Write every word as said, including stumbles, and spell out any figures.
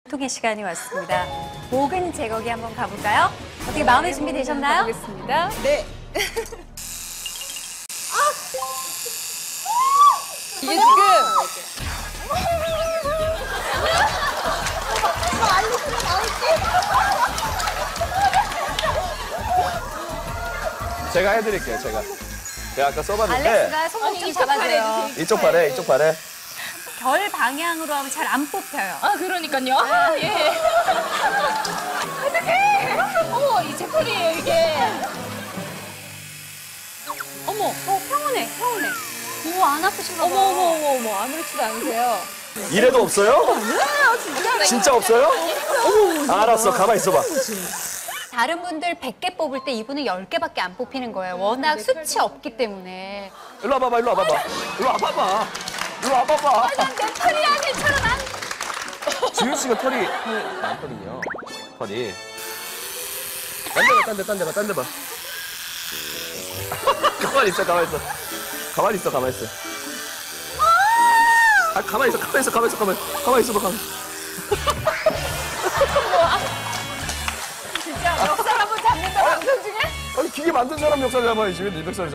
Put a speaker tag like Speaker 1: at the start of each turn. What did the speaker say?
Speaker 1: 통의 시간이 왔습니다. 모근 제거기 한번 가볼까요? 어떻게 마음의 준비 되셨나요?
Speaker 2: 가보겠습니다. 네. 아! 이게 지금
Speaker 3: 제가 해드릴게요, 제가. 제가 아까 써봤는데.
Speaker 1: 알렉스가 손목 좀 잡아줘요.
Speaker 3: 이쪽 발에, 이쪽 발에.
Speaker 1: 결 방향으로 하면 잘 안 뽑혀요.
Speaker 2: 아 그러니까요. 아, 예. 어떡해. 어머 이 제풀이에요 이게. 어머.
Speaker 1: 어, 평온해, 평온해. 오, 안 아프신가 봐.
Speaker 2: 어머 어머 어머 어머 아무렇지도 않으세요.
Speaker 3: 이래도 없어요?
Speaker 2: 진짜.
Speaker 3: 진짜 없어요? 알았어, 가만히 있어봐.
Speaker 1: 다른 분들 백 개 뽑을 때 이분은 열 개밖에 안 뽑히는 거예요. 워낙 수치 없기 때문에.
Speaker 3: 일로 와봐봐, 일로 와봐봐. 일로 와봐봐. 일로 와봐봐.
Speaker 1: 내 털이야, 괜찮아, 난.
Speaker 3: 지윤 씨가 털이 털이 많거든요. 털이. 딴 데봐, 딴 데, 딴 데봐, 딴 데봐. 가만히 있어, 가만히 있어. 가만히 있어, 가만히 있어. 아, 가만히 있어, 가만히 있어, 가만히 있어, 가만히 있어. 가만히 있어봐, 가만히 있어.
Speaker 2: 진짜 역살 한번 잡는다 방송 중에?
Speaker 3: 아니, 기계 만든 사람 역사 잡아야지. 왜 네 멱살